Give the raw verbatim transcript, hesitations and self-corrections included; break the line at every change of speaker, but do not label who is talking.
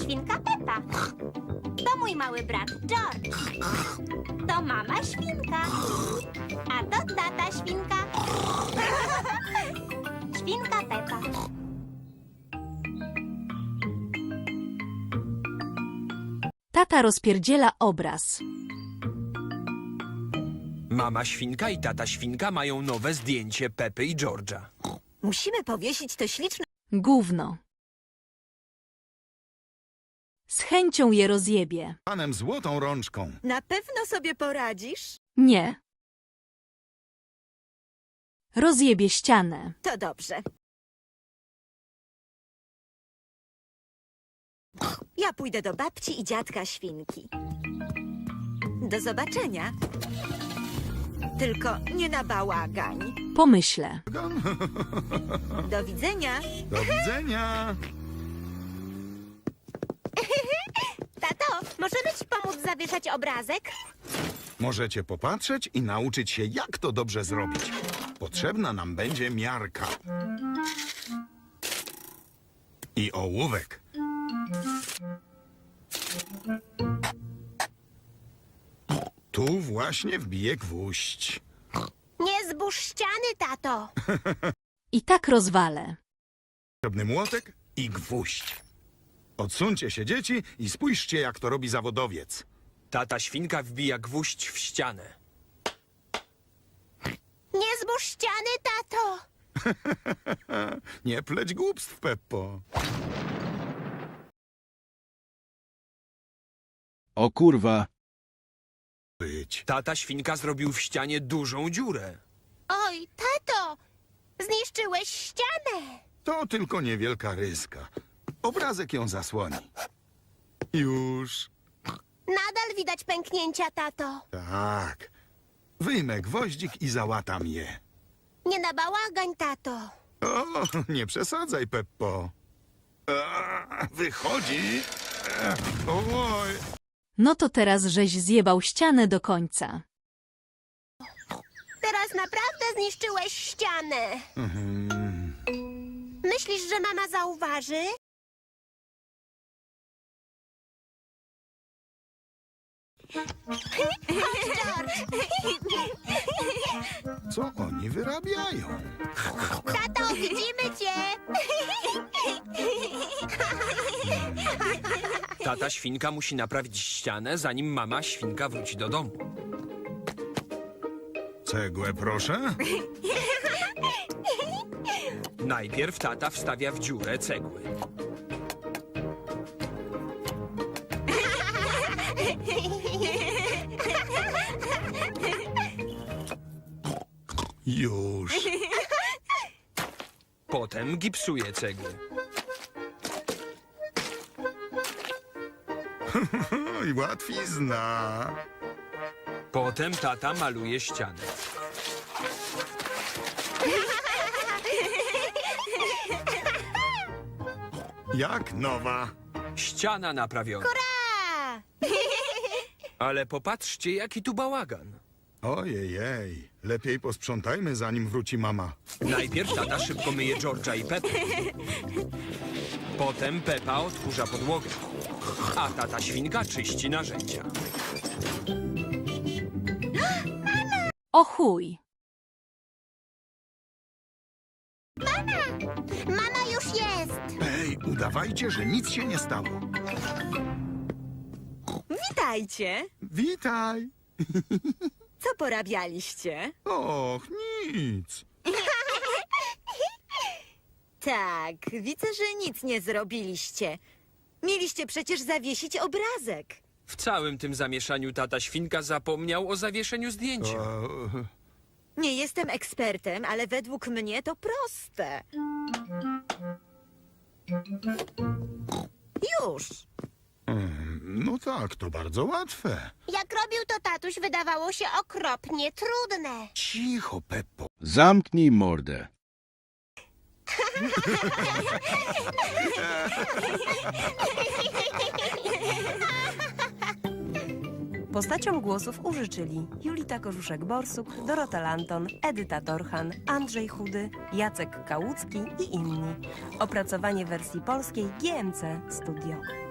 świnka Pepa. To mój mały brat George. To mama świnka. A to tata świnka. Świnka Pepa.
Tata rozpierdziela obraz.
Mama świnka i tata świnka mają nowe zdjęcie Pepy i George'a.
Musimy powiesić to śliczne...
Gówno. Z chęcią je rozjebie.
Panem złotą rączką.
Na pewno sobie poradzisz?
Nie. Rozjebie ścianę.
To dobrze. Ja pójdę do babci i dziadka świnki. Do zobaczenia. Tylko nie na bałagań.
Pomyślę.
Do widzenia.
Do widzenia.
Tato, możemy ci pomóc zawieszać obrazek?
Możecie popatrzeć i nauczyć się, jak to dobrze zrobić. Potrzebna nam będzie miarka. I ołówek. Tu właśnie wbije gwóźdź.
Nie zburz ściany, tato.
I tak rozwalę.
Potrzebny młotek i gwóźdź. Odsuńcie się, dzieci, i spójrzcie, jak to robi zawodowiec.
Tata świnka wbija gwóźdź w ścianę.
Nie zburz ściany, tato.
Nie pleć głupstw, Peppo.
O kurwa.
Być.
Tata świnka zrobił w ścianie dużą dziurę.
Oj, tato, zniszczyłeś ścianę.
To tylko niewielka ryska. Obrazek ją zasłoni. Już.
Nadal widać pęknięcia, tato.
Tak. Wyjmę gwoździk i załatam je.
Nie na bałagań, tato.
O, nie przesadzaj, Peppo. A, wychodzi. E, Oj.
No to teraz żeś zjebał ścianę do końca.
Teraz naprawdę zniszczyłeś ścianę.
Mhm.
Myślisz, że mama zauważy? Chodź, George.
Co oni wyrabiają?
Tato, widzimy cię.
Tata świnka musi naprawić ścianę, zanim mama świnka wróci do domu.
Cegłę, proszę.
Najpierw tata wstawia w dziurę cegły.
Już.
Potem gipsuje cegły.
Oj, łatwizna.
Potem tata maluje ścianę.
Jak nowa.
Ściana naprawiona.
A,
Ale popatrzcie, jaki tu bałagan.
Ojejej. Lepiej posprzątajmy, zanim wróci mama.
Najpierw tata szybko myje George'a i Pepę. Potem Pepa odkurza podłogę. A tata świnka czyści narzędzia.
O chuj.
mama już jest.
Ej, udawajcie, że nic się nie stało.
Witajcie.
Witaj.
Co porabialiście?
Och, nic.
Tak, widzę, że nic nie zrobiliście. Mieliście przecież zawiesić obrazek.
W całym tym zamieszaniu tata świnka zapomniał o zawieszeniu zdjęcia.
E,
Nie jestem ekspertem, ale według mnie to proste. Już.
mm, no tak, to bardzo łatwe.
Jak robił to tatuś, wydawało się okropnie trudne.
Cicho, Peppo.
Zamknij mordę.
Postaciom głosów użyczyli Julita Korzuszek-Borsuk, Dorota Lanton, Edyta Torchan, Andrzej Chudy, Jacek Kałucki i inni. Opracowanie wersji polskiej G M C Studio.